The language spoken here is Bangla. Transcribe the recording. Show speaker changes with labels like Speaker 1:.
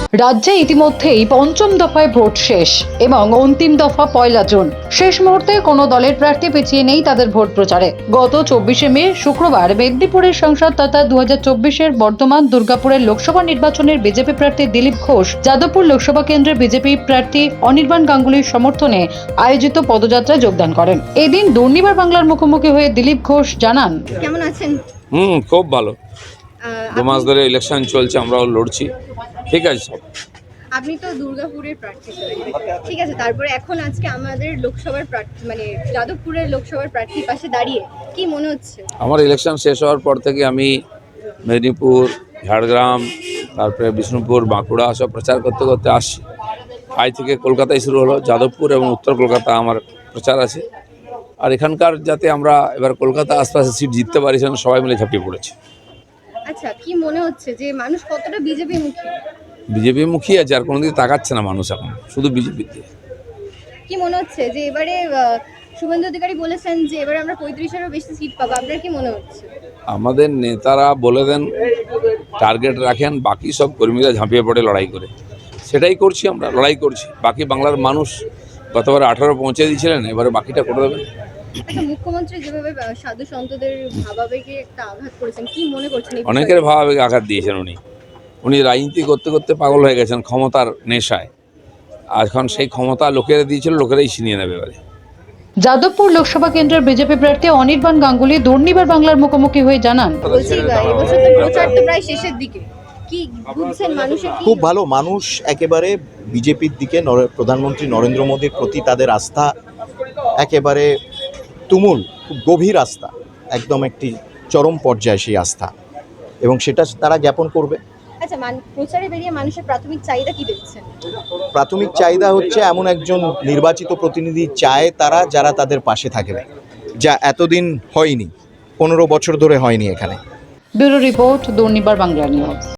Speaker 1: রাজ্যে ইতিমধ্যেই পঞ্চম দফায় ভোট শেষ এবং অন্তিম দফা 1 জুন। শেষ মুহূর্তে কোনো দলের প্রার্থী পিছিয়ে নেই তাদের ভোট প্রচারে। গত 24শে মে শুক্রবার মেদিনীপুরের সংসদ তথা 2024-এর বর্ধমান দুর্গাপুরের লোকসভা নির্বাচনের বিজেপি প্রার্থী দিলীপ ঘোষ যাদবপুর লোকসভা কেন্দ্রের বিজেপি প্রার্থী অনির্বাণ গাঙ্গুলির সমর্থনে আয়োজিত পদযাত্রায় যোগদান করেন। এদিন দুর্নিবার বাংলার মুখোমুখি হয়ে দিলীপ ঘোষ জানান,
Speaker 2: কেমন আছেন?
Speaker 3: খুব ভালো। 2 মাস ধরে ইলেকশন চলছে, আমরাও লড়ছি, ঠিক আছে সব।
Speaker 2: আপনি তো দুর্গাপুরের প্রার্থী ছিলেন, ঠিক আছে। তারপরে এখন আজকে আমাদের লোকসভার প্রার্থী মানে যাদবপুরের লোকসভার প্রার্থীর পাশে দাঁড়িয়ে কি মনে হচ্ছে?
Speaker 3: আমার ইলেকশন শেষ হওয়ার পর থেকে আমি মেদিনীপুর, ঝাড়গ্রাম, তারপরে বিষ্ণুপুর, বাঁকুড়া সব প্রচার করতে করতে আসছি। আজ থেকে কলকাতায় শুরু হলো, যাদবপুর এবং উত্তর কলকাতা আমার প্রচার আছে। আর এখানকার যাতে আমরা এবার কলকাতা আশপাশে সিট জিততে পারি সেজন্য সবাই মিলে ঝাঁপিয়ে পড়েছে।
Speaker 2: আচ্ছা, কি মনে হচ্ছে যে মানুষ কতটা বিজেপি মুখী?
Speaker 3: বিজেপি মুখী আছে, আর কোনোদিন তাকাচ্ছে না মানুষ, এখন শুধু বিজেপিতে।
Speaker 2: কি মনে হচ্ছে যে এবারে শুভেন্দু অধিকারী বলেছেন যে এবারে আমরা 35-এরও বেশি সিট পাবো, আপনার কি মনে হচ্ছে?
Speaker 3: আমাদের নেতারা বলে দেন, টার্গেট রাখেন, বাকি সব কর্মীরা ঝাঁপিয়ে পড়ে লড়াই করে। সেটাই করছি, আমরা লড়াই করছি। বাকি বাংলার মানুষ গতবার 18 পৌঁছে দিয়েছিলেন, এবারে বাকিটা করে দেবেন।
Speaker 2: আচ্ছা, মুখ্যমন্ত্রী যেভাবে সাধু সন্তদের ভাবাবেগে একটা আঘাত করেছেন, কি মনে করছেন?
Speaker 3: অনেকের ভাবাবেগে আঘাত দিয়েছেন উনি রাজনীতি করতে করতে পাগল হয়ে গেছেন ক্ষমতার নেশায়। আর এখন সেই ক্ষমতা লোকেরা দিয়েছিল, লোকেরাই ছিনিয়ে নেবে এবারে।
Speaker 1: যাদবপুর লোকসভা কেন্দ্রের বিজেপি প্রার্থী অনির্বাণ গাঙ্গুলি দুর্নিবার বাংলার মুখোমুখি হয়ে জানান,
Speaker 2: বলছি এবছর তো প্রচার তো প্রায় শেষের দিকে, কি বুঝছেন মানুষের কি?
Speaker 4: খুব ভালো, মানুষ একেবারে বিজেপির দিকে প্রধানমন্ত্রী নরেন্দ্র মোদীর প্রতি তাদের আস্থা একেবারে তুমুল, খুব গভীর আস্থা, একদম একটি চরম পর্যায়ে সেই আস্থা, এবং সেটা তারা জ্ঞাপন করবে।
Speaker 2: আচ্ছা, প্রচারে বেরিয়ে মানুষের প্রাথমিক চাহিদা কি দেখছেন?
Speaker 4: প্রাথমিক চাহিদা হচ্ছে এমন একজন নির্বাচিত প্রতিনিধি চায় তারা, যারা তাদের পাশে থাকবে, যা এতদিন হয়নি, 15 বছর ধরে হয়নি এখানে।
Speaker 1: Bureau report, Durnibar Bangla news.